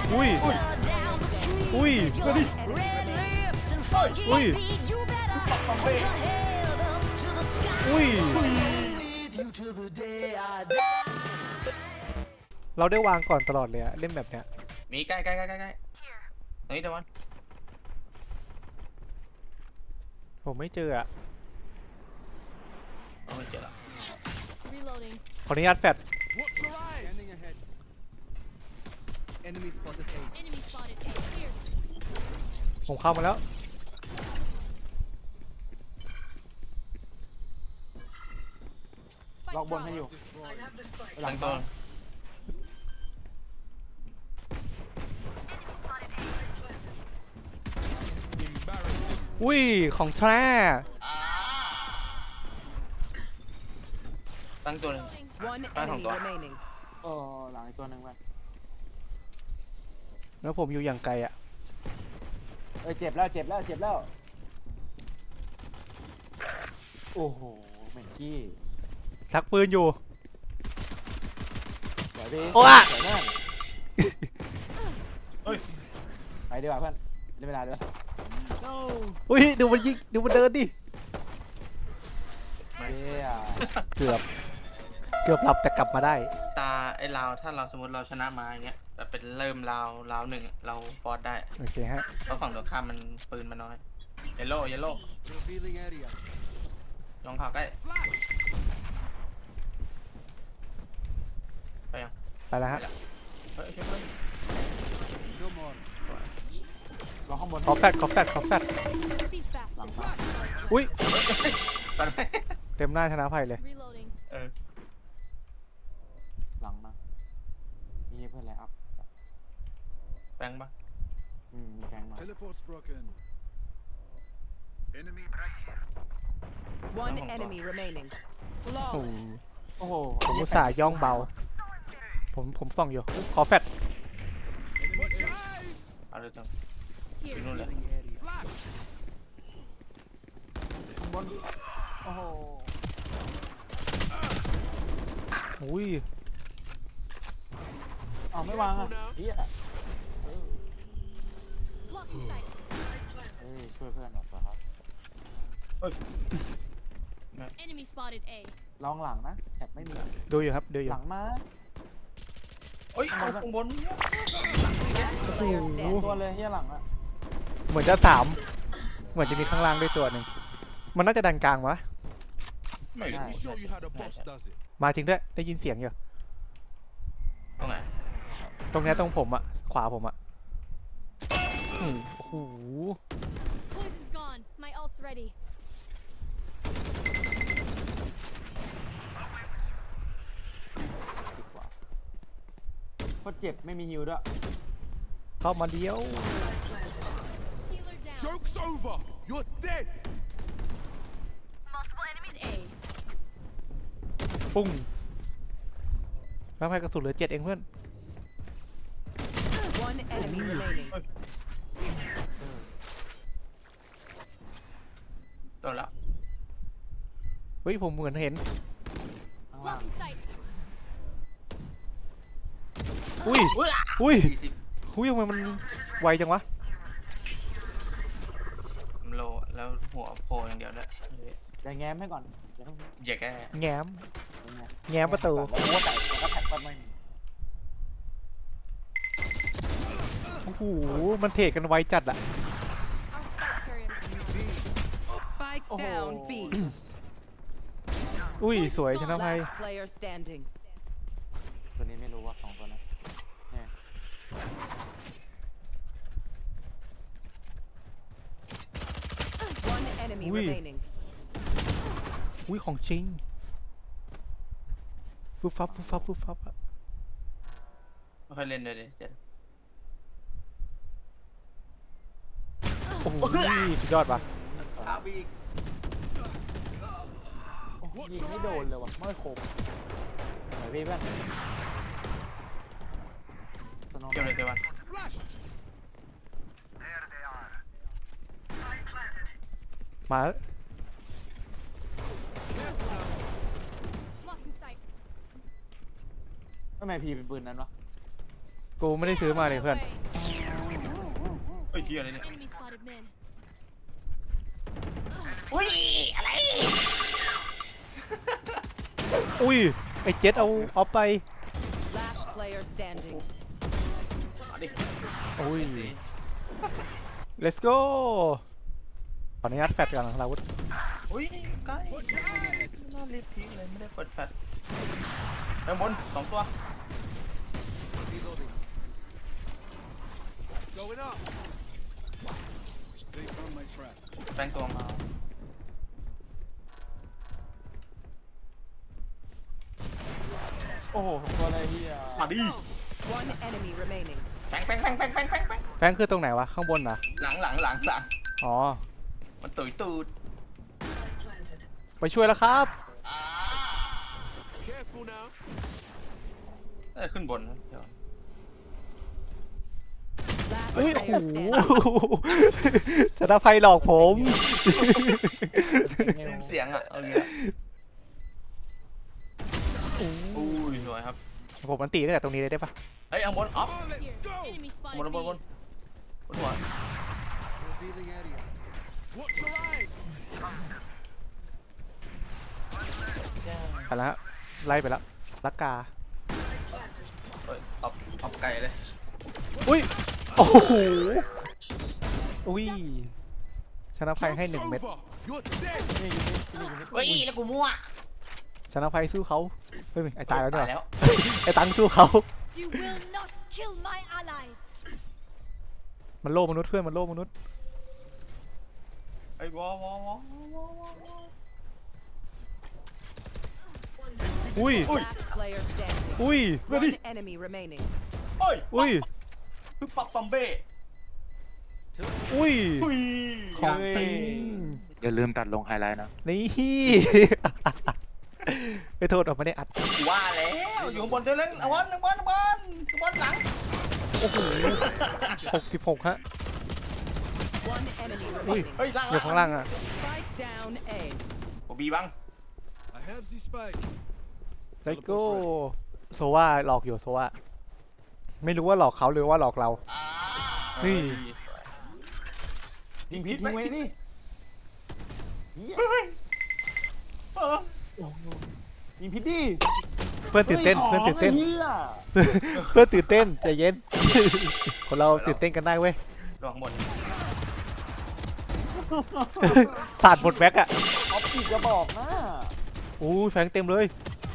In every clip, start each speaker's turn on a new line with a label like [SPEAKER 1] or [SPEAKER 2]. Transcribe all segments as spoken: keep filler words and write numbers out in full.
[SPEAKER 1] อุ้ยอุ้ยมาดิอุ้ยอุ้ยเราได้วางก่อนตลอดเลยอะเล่นแบบเนี้ย
[SPEAKER 2] มีใกล้ใกล้ใกล้ใกล้ใกล้ตรงนี้เดี๋ยวมัน
[SPEAKER 1] ผมไม่เจออะ
[SPEAKER 2] เอาไม่เจอละ
[SPEAKER 1] ขออนุญาตแฟด
[SPEAKER 3] Enemy spotted A.
[SPEAKER 1] ผมเข้ามาแล้ว
[SPEAKER 4] ล็อกบนให้อยู่หลั
[SPEAKER 2] ตั้
[SPEAKER 4] ง
[SPEAKER 2] ง
[SPEAKER 4] ตั
[SPEAKER 2] ตัว ว
[SPEAKER 1] อุ้ยของแท้
[SPEAKER 2] ตั้งตัวหนึง
[SPEAKER 5] One
[SPEAKER 2] Ah,
[SPEAKER 5] enemy
[SPEAKER 2] không có.
[SPEAKER 5] remaining.
[SPEAKER 4] โอ้หลังอีกตัวหนึ่งไป
[SPEAKER 1] แล้วผมอยู่อย่างไกลอะ
[SPEAKER 4] เอ้ยเจ็บแล้วเจ็บแล้วเจ็บแล้วโอ้โหเหม็นขี้
[SPEAKER 1] ซักปืนอยู่
[SPEAKER 4] เดี๋ยวดิ
[SPEAKER 1] โอ้อะ
[SPEAKER 4] เดี๋ยวนั่นไปดีกว่าเพื่อนได้เวลาด้วย
[SPEAKER 1] อุ้ยดูมันยิงดูมันเดินดิ
[SPEAKER 4] เย้
[SPEAKER 1] เกือบเกือบหลับแต่กลับมาได้
[SPEAKER 2] ตาไอ้เราถ้าเราสมมติเราชนะมาอย่างเงี้ยแบบเป็นเริ่มราวราวหนึ่งเราฟอร์สได้
[SPEAKER 1] โอเคฮะ
[SPEAKER 2] เพราะฝั่งตรงข้ามมันปืนมันน้อยเยลโล่เยลโล่
[SPEAKER 3] Revealing area.
[SPEAKER 2] ลองข่าวใกล้ไปยัง
[SPEAKER 1] ไปแล้วฮะ
[SPEAKER 2] เฮ้ยเฮ้ยเฮ้ย
[SPEAKER 3] No more.
[SPEAKER 4] รอข้างบน
[SPEAKER 1] ขอแฟดขอแฟดขอแฟด
[SPEAKER 4] หลังมา
[SPEAKER 1] อุ้ย
[SPEAKER 2] ไปไหม
[SPEAKER 1] เต็มหน้าชนะภัยเลย
[SPEAKER 2] เออ
[SPEAKER 4] หลังมามีเพื่อนอะไรอัพ
[SPEAKER 2] แบงค์ปะ
[SPEAKER 4] อืมมีแฟงมา
[SPEAKER 3] Teleport's broken. Enemy
[SPEAKER 5] One enemy remaining.
[SPEAKER 1] โอ้
[SPEAKER 5] Flawless.
[SPEAKER 4] โอ้โห
[SPEAKER 1] ผมอุตส่าห์ย่องเบา ผมผมส่องอยู่ ขอแฟด
[SPEAKER 3] Watch your eyes.
[SPEAKER 2] เอาเลยจังอยู่นู่นเลย
[SPEAKER 3] Revealing area. Flash.
[SPEAKER 4] ข้างบนโอ้โห
[SPEAKER 1] อุ้ย
[SPEAKER 4] อ้าวไม่วางอ่ะเฮียเออเฮ้ยช่วยเพื่อนหน่อยครับ
[SPEAKER 6] Enemy spotted A.
[SPEAKER 4] ลองหลังนะแท็บไม่มี
[SPEAKER 1] ดูอยู่ครับดูอยู่
[SPEAKER 4] หลังมา
[SPEAKER 2] โอ้ยเอาข้างบน
[SPEAKER 5] Player
[SPEAKER 1] โอ้
[SPEAKER 5] standing.
[SPEAKER 4] ตัวเลยเฮียหลังอ่ะ
[SPEAKER 1] เหมือนจะสามเหมือนจะมีข้างล่างด้วยตัวหนึ่งมันน่าจะดันกลางวะ
[SPEAKER 2] ไม่รู้
[SPEAKER 3] Let me show you how the boss does it.
[SPEAKER 1] มาจริงด้วยได้ยินเสียงอยู่
[SPEAKER 2] ตรงไหน
[SPEAKER 1] ตรงเนี้ยตรงผมอะขวาผมอะอืมโอ้โห
[SPEAKER 6] Poison's gone. My ult's ready.
[SPEAKER 4] ดีกว่าโคตรเจ็บไม่มีฮิวด้วย
[SPEAKER 1] เข้ามาเดียว
[SPEAKER 6] Healer down.
[SPEAKER 3] Joke's over. You're dead.
[SPEAKER 6] Multiple enemies A.
[SPEAKER 1] ปุ้งแล้วให้กระสุนเหลือเจ็ดเองเพื่อน
[SPEAKER 5] One enemy remaining.
[SPEAKER 2] โดนแล้ว
[SPEAKER 1] เฮ้ยผมเหมือนเห็น
[SPEAKER 4] ข้างล่าง
[SPEAKER 6] Blocking sight.
[SPEAKER 1] อุ้ย
[SPEAKER 2] อุ้ย
[SPEAKER 1] อุ้ย
[SPEAKER 2] สี่สิบ
[SPEAKER 1] อุ้ยทำไมมันไวจังวะ
[SPEAKER 2] โลแล้วหัวโผล่อย่างเดียวด้วย
[SPEAKER 4] อย่าแง้มให้ก่อนอย่าต้อง
[SPEAKER 2] อย่าแก้
[SPEAKER 1] แง้ม
[SPEAKER 4] อย่างเงี้ย
[SPEAKER 1] แง้มประตู
[SPEAKER 4] แล้วหัวแตกแล้วก็แท็กก็ไม่มี
[SPEAKER 1] โอ้โหมันเทกันไวจัดอะ
[SPEAKER 6] Our spike carriers.
[SPEAKER 5] Spike down B.
[SPEAKER 1] อุ้ยสวยชนะภัย
[SPEAKER 5] Last player standing.
[SPEAKER 4] ตัวนี้ไม่รู้ว่าสองตัวนั้นเนี่ย
[SPEAKER 5] One enemy
[SPEAKER 1] Ui.
[SPEAKER 5] remaining.
[SPEAKER 1] อุ้ยของจริงฟึบฟับฟึบฟับฟึบฟับอะ
[SPEAKER 2] ไม่ค่อยเล่นเลยดิเจ็ด
[SPEAKER 1] โอ้โหสุดยอดปะ
[SPEAKER 2] สามอีก
[SPEAKER 4] โอ้โหยิงไม่โดนเลยว่ะไม่คมไหนพี่เพื่อนสโนว์
[SPEAKER 2] เกี่ยวเลยเกี่ยววัน
[SPEAKER 3] Flash.
[SPEAKER 1] มา
[SPEAKER 6] Blocking sight.
[SPEAKER 4] ทำไมพี่เป็นปืนนั้นวะ
[SPEAKER 1] โกกูไม่ได้ซื้อมาเลยเพื่อน
[SPEAKER 2] เฮ้ยเหี้ยอะไรเนี่ย
[SPEAKER 6] Enemy spotted mid.
[SPEAKER 2] อุ้ยอะไร
[SPEAKER 1] อุ้ยไอ้เจ็ดเอาเอาไป
[SPEAKER 5] Last player standing.
[SPEAKER 2] มาดิ
[SPEAKER 1] อุ้ย let's go ขออนุญาตแฟดก่อนนะเราวุธ
[SPEAKER 2] อุ้ยใกล้น่ารีบทิ้งเลยไม่ได้เปิดแฟลชข้างบนสองตัว
[SPEAKER 3] Reloading. Going up. They found my trap.
[SPEAKER 2] แปลงตัวมา
[SPEAKER 4] โอ้โหตัวอะไรเฮีย
[SPEAKER 2] มาดิ
[SPEAKER 5] One enemy remaining.
[SPEAKER 2] แปลงแปลงแปลงแปลงแปลงแปลงแปลง
[SPEAKER 1] แฟงคือตรงไหนวะข้างบนนะ
[SPEAKER 2] หลังหลังหลังหลัง
[SPEAKER 1] อ๋อ
[SPEAKER 2] มันตุยตูด
[SPEAKER 1] ไปช่วยแล้วครับ
[SPEAKER 3] Careful now.
[SPEAKER 2] เอ้ยขึ้นบนนะเดี๋ยว
[SPEAKER 5] Last
[SPEAKER 1] อุ้ย
[SPEAKER 5] player
[SPEAKER 1] โอ้โห
[SPEAKER 5] standing.
[SPEAKER 1] ชนะภัยหลอกผม
[SPEAKER 2] เสียงอ่ะเอาเงี้ยอุ้ยสวยครับ
[SPEAKER 1] ผมมันตีตั้งแต่ตรงนี้เลยได้ปะ
[SPEAKER 2] เฮ้ยเอาบนออฟ
[SPEAKER 3] Come on, let's
[SPEAKER 6] Here.
[SPEAKER 3] go.
[SPEAKER 6] Enemy
[SPEAKER 2] บน
[SPEAKER 6] spotted
[SPEAKER 2] บนบน
[SPEAKER 6] B.
[SPEAKER 2] บนหัว
[SPEAKER 3] Revealing area. Watch your eyes.
[SPEAKER 1] ไปแล้วฮะไล่ไปแล้วลักกา
[SPEAKER 2] เฮ้ยออฟออฟไกลเลย
[SPEAKER 1] อุ้ย โอ้โห อุ้ย ชนะภัยให้หนึ่ง
[SPEAKER 3] Joke's
[SPEAKER 1] เม็ด
[SPEAKER 3] over. You're dead.
[SPEAKER 2] เฮ้ยแล้วกูมั่ว
[SPEAKER 1] ชนะภัยสู้เขาเฮ้ยไอ้ตายแล้วเนี่ย
[SPEAKER 2] ตายแล้ว
[SPEAKER 1] ไอ้ตังสู้เขา
[SPEAKER 6] You will not kill my allies.
[SPEAKER 1] มันโล่มนุษย์เพื่อนมันโล่มนุษย์
[SPEAKER 2] ไอ้วอวอวอวอวอ
[SPEAKER 1] อุ้ย
[SPEAKER 5] Last player standing.
[SPEAKER 1] อุ้ย
[SPEAKER 5] One enemy remaining.
[SPEAKER 2] เฮ้ย
[SPEAKER 1] อุ้ย
[SPEAKER 2] คือปักปัมเบ้
[SPEAKER 1] อุ้ย
[SPEAKER 2] อุ้ย
[SPEAKER 1] ของจริง
[SPEAKER 7] อย่าลืมตัดลงไฮไลท์นะ
[SPEAKER 1] นี่ ไอ้โทษออกไม่ได้อัด
[SPEAKER 2] ว่าแล้วอยู่ข้างบนเดินเล่นเอาวันเอาวันเอาวันเอาวันหลัง
[SPEAKER 1] โอ้โหหกสิบหกฮะ
[SPEAKER 5] One enemy
[SPEAKER 1] อุ้ย
[SPEAKER 5] remaining.
[SPEAKER 2] เฮ้ยล่าง
[SPEAKER 1] อยู่ข้างล่างอ่ะ
[SPEAKER 5] Spike down A.
[SPEAKER 2] โอบีบัง
[SPEAKER 3] I have the spike.
[SPEAKER 1] ไลโก้โซว่าหลอกอยู่โซว่าไม่รู้ว่าหลอกเขาหรือว่าหลอกเรา นี่
[SPEAKER 4] ยิงพิษทิ้งไว้นี่เฮีย
[SPEAKER 2] เฮ้ยเออ
[SPEAKER 4] ยิงพิษดิ
[SPEAKER 1] เพื่อนตื่นเต้น
[SPEAKER 4] ฮ้ย
[SPEAKER 1] เพื่อนตื่นเต้น
[SPEAKER 4] เฮีย
[SPEAKER 1] เพื่อนตื่นเต้นใจเย็น คนเราตื่นเต้นกันได้เว้ย
[SPEAKER 2] ลงบน
[SPEAKER 1] สาดหมดแม็กอะ
[SPEAKER 4] เอาปีกกระบอกนะ
[SPEAKER 1] อู้แฟงเต็มเลย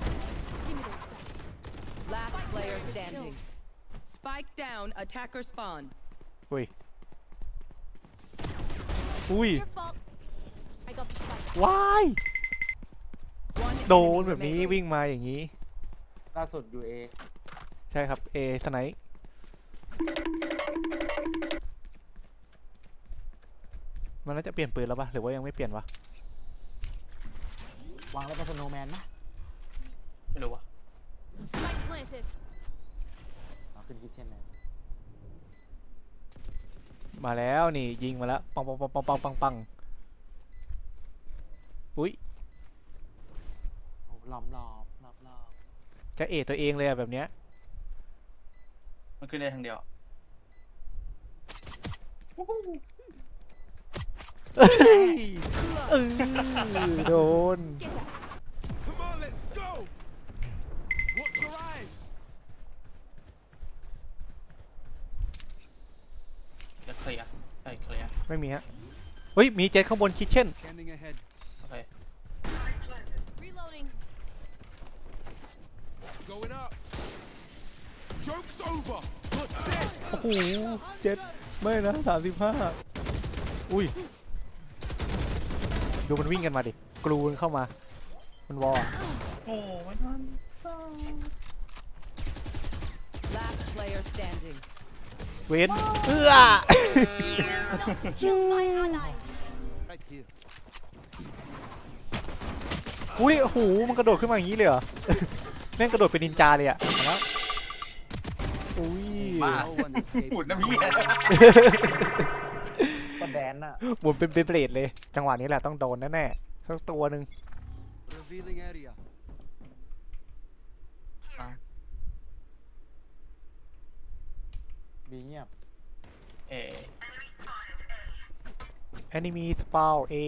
[SPEAKER 5] Last player standing. Spike down. Attacker spawn.
[SPEAKER 1] อุ้ย อุ้ย
[SPEAKER 6] Your fault. I got the spike.
[SPEAKER 1] ว้าย
[SPEAKER 5] One
[SPEAKER 1] โดน
[SPEAKER 5] enemy
[SPEAKER 1] แบบนี้
[SPEAKER 5] remaining.
[SPEAKER 1] วิ่งมาอย่างนี้
[SPEAKER 4] ล่าสุดอยู่เอ
[SPEAKER 1] ใช่ครับ เอสไนป์มันน่าจะเปลี่ยนปืนแล้วปะหรือว่ายังไม่เปลี่ยนวะ
[SPEAKER 4] วางแล้วเป็นสโนว์แมนนะ
[SPEAKER 2] ไม่รู้ว่ะ
[SPEAKER 6] Spike planted.
[SPEAKER 4] เอาขึ้นคิดเช่นนั้น
[SPEAKER 1] มาแล้วนี่ยิงมาแล้วปังปังปังปังปังปังปังอุ้ย
[SPEAKER 4] โอ้ล้อมรอบรอบรอบ
[SPEAKER 1] จะเอตัวเองเลยอะแบบเนี้ย
[SPEAKER 2] มันขึ้นได้ทางเดียว
[SPEAKER 1] เอ้ยเออโดน
[SPEAKER 6] Get out.
[SPEAKER 3] Come on, let's go. Watch your eyes.
[SPEAKER 2] จะเคลียร์ใช่เคลียร์
[SPEAKER 1] ไม่มีฮะเฮ้ยมีเจ็ตข้างบนคิทเช่น
[SPEAKER 3] Scanning ahead.
[SPEAKER 2] โอเค
[SPEAKER 6] Reloading.
[SPEAKER 3] Going up. Joke's over. You're dead.
[SPEAKER 1] โอ้โหเจ็ดไม่นะสามสิบห้าอุ้ย ดูมันวิ่งกันมาดิ กรูนเข้ามา มันวอล
[SPEAKER 2] โอ้ไม่ทัน
[SPEAKER 5] Last player standing.
[SPEAKER 1] เวนเอื้อ
[SPEAKER 6] You will not kill my allies.
[SPEAKER 3] Right here.
[SPEAKER 1] อุ้ยโอ้โหมันกระโดดขึ้นมาอย่างนี้เลยเหรอ แม่งกระโดดเป็นนินจาเลยอะมาแล้วอุ้ย
[SPEAKER 2] บ้า
[SPEAKER 3] No one escapes.
[SPEAKER 2] หมุนนะพี่
[SPEAKER 4] ก็แดนน่ะ
[SPEAKER 1] หมุนเป็นเบลเบลดเลย จังหวะนี้แหละต้องโดนแน่ๆสักตัวหนึ่ง
[SPEAKER 3] Revealing area.
[SPEAKER 2] อ่ะ
[SPEAKER 4] บีเงียบ
[SPEAKER 2] เอ
[SPEAKER 1] enemy spawn A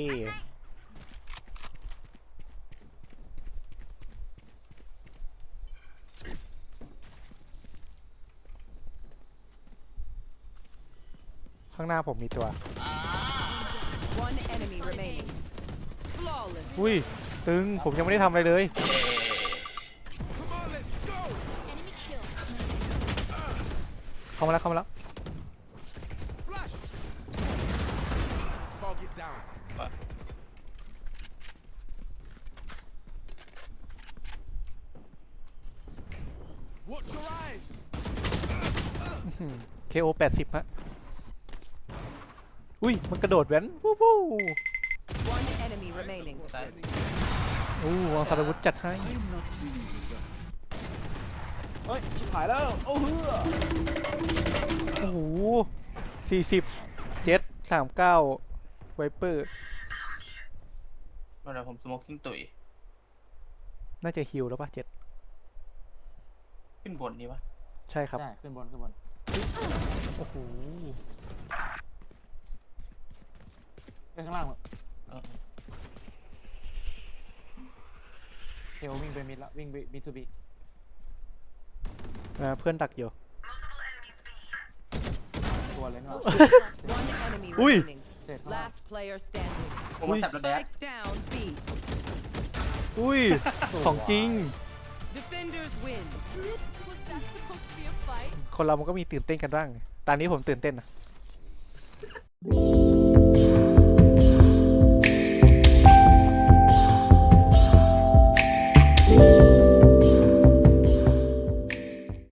[SPEAKER 1] ข้างหน้าผมมีตัว
[SPEAKER 5] One enemy remaining. Flawless.
[SPEAKER 1] อุ้ย ตึง ผมยังไม่ได้ทำอะไรเลย
[SPEAKER 3] Come on, let's go.
[SPEAKER 6] Enemy kill.
[SPEAKER 1] เข้ามาแล้วเข้ามาแล้ว
[SPEAKER 3] Flash. Target down.
[SPEAKER 2] ไป
[SPEAKER 3] Watch your eyes.
[SPEAKER 1] เค โอ แปดสิบฮะ อุ้ย มันกระโดดแว้นวู้วู้
[SPEAKER 5] One enemy remaining.
[SPEAKER 2] ตาย
[SPEAKER 1] อู้วางสารวุธจัดให้
[SPEAKER 4] เฮ้ย ชิบหายแล้ว โอ้เฮือ
[SPEAKER 1] โอ้โหสี่สิบเจ็ดสามเก้าไวเปอร์
[SPEAKER 2] เมื่อไหร่ผมสโมกกิ้งตุ๋ย
[SPEAKER 1] น่าจะฮิลแล้วป่ะเจ็ด
[SPEAKER 2] ขึ้นบนดีปะ
[SPEAKER 1] ใช่ครับ
[SPEAKER 4] ใช่ ขึ้นบน ขึ้นบน
[SPEAKER 1] โอ้โห
[SPEAKER 4] ไปข้างล่าง
[SPEAKER 2] เออ
[SPEAKER 4] เทลวิ่งไปมิดละวิ่งไปมิดทูบี
[SPEAKER 1] อ่าเพื่อนดักอยู่
[SPEAKER 4] ตัวเลย
[SPEAKER 6] No
[SPEAKER 4] เนาะ
[SPEAKER 6] shields left.
[SPEAKER 5] One enemy
[SPEAKER 1] Ui.
[SPEAKER 5] remaining.
[SPEAKER 4] เสร็จข้างล่าง
[SPEAKER 5] Last player standing.
[SPEAKER 2] ผมมาแซบแล้วแดด
[SPEAKER 5] Spike down B.
[SPEAKER 1] อุ้ย ของจริง
[SPEAKER 5] Defenders win.
[SPEAKER 6] Was that supposed to be a fight?
[SPEAKER 1] คนเรามันก็มีตื่นเต้นกันบ้าง ตอนนี้ผมตื่นเต้นนะ
[SPEAKER 6] Spike